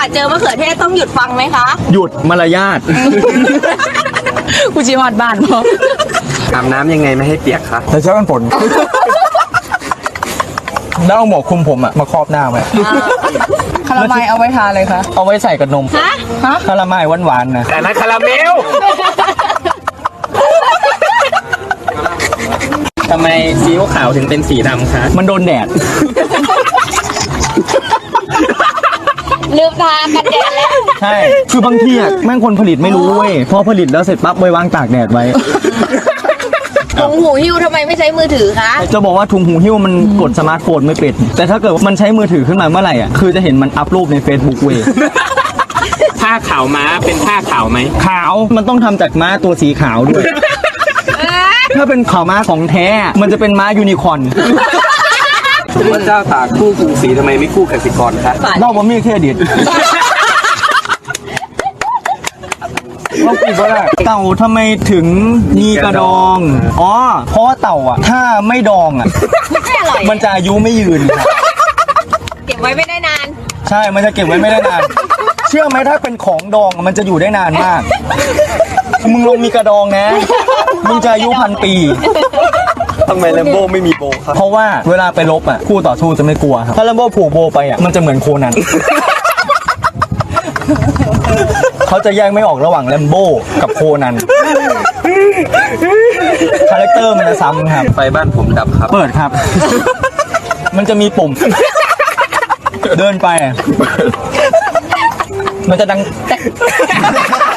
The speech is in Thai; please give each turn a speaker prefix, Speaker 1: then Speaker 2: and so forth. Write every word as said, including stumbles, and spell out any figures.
Speaker 1: เจอมะเขือเทศต้องหยุดฟังไหมคะ
Speaker 2: หยุดมารยาท
Speaker 3: กูจีฮอดบ้านพอ
Speaker 4: อาบน้ำยังไงไม่ให้เปียกคะ
Speaker 2: ใส่เสื้อกันฝนแล้วเอาหมวกคลุมผมอะมาครอบหน้าไหม
Speaker 3: คาราไมล์เอาไว้ทาเลยคะ
Speaker 2: เอาไว้ใส่กับนม
Speaker 1: ฮะ
Speaker 3: ฮะ
Speaker 2: คาราไมล์หวานๆนะ
Speaker 4: แต่นั้นคาราเมล ทำไมซีอิ๊วขาวถึงเป็นสีดำคะ
Speaker 2: มันโดนแดด
Speaker 1: ลืมทากันแดดแล้ว
Speaker 2: ใช่ คือบางทีอะแม่งคนผลิตไม่รู้เว้ย พอผลิตแล้วเสร็จปั๊บไปวางตากแดดไว้
Speaker 1: ถุงหูหิ้วทำไมไม่ใช้มือถือคะ
Speaker 2: จะบอกว่าถุงหูหิ้วมันกดสมาร์ทโฟนไม่เป็น แต่ถ้าเกิดมันใช้มือถือขึ้นมาเมื่อไหร่อ่ะ คือจะเห็นมันอัพรูปใน Facebook เว้ย
Speaker 4: ผ้าขาวม้าเป็นผ้าขาวไหม
Speaker 2: ขาว มันต้องทำจากม้าตัวสีขาวด้วย ถ้าเป็นขาวม้าของแท้ มันจะเป็นม้ายูนิคอร์น
Speaker 4: พระเจ้าตากคู่กรุงศรีทำไมไม่คู่กสิกรคะ
Speaker 2: เล่าบะมี่เครดิตเราปิดก็ได้เต่าทำไมถึงมีกระดอง อ๋อ เพราะว่าเต่าอ่ะ ถ้าไม่ดองอ่ะ
Speaker 1: ไม่อร่อย
Speaker 2: มันจะอายุไม่ยืนครับ
Speaker 1: เก็บไว้ไม่ได้นาน
Speaker 2: ใช่ มันจะเก็บไว้ไม่ได้นาน เชื่อไหมถ้าเป็นของดองอะมันจะอยู่ได้นานมาก มึงลงมีกระดองนะ มึงจะอายุพันปี
Speaker 4: ทำไมแลมโบ้ไม่มีโบครับ
Speaker 2: เพราะว่าเวลาไปรบอ่ะคู่ต่อสู้จะไม่กลัวครับ ถ้าแลมโบ้ผูกโบไปอ่ะมันจะเหมือนโคนัน เขาจะแยกไม่ออกระหว่างแลมโบ้กับโคนัน คาแรคเตอร์มันจะซ้ำครับ
Speaker 4: ไฟบ้านผมดับครับ
Speaker 2: เปิดครับ มันจะมีปุ่ม เดินไปอะมันจะดังแตะ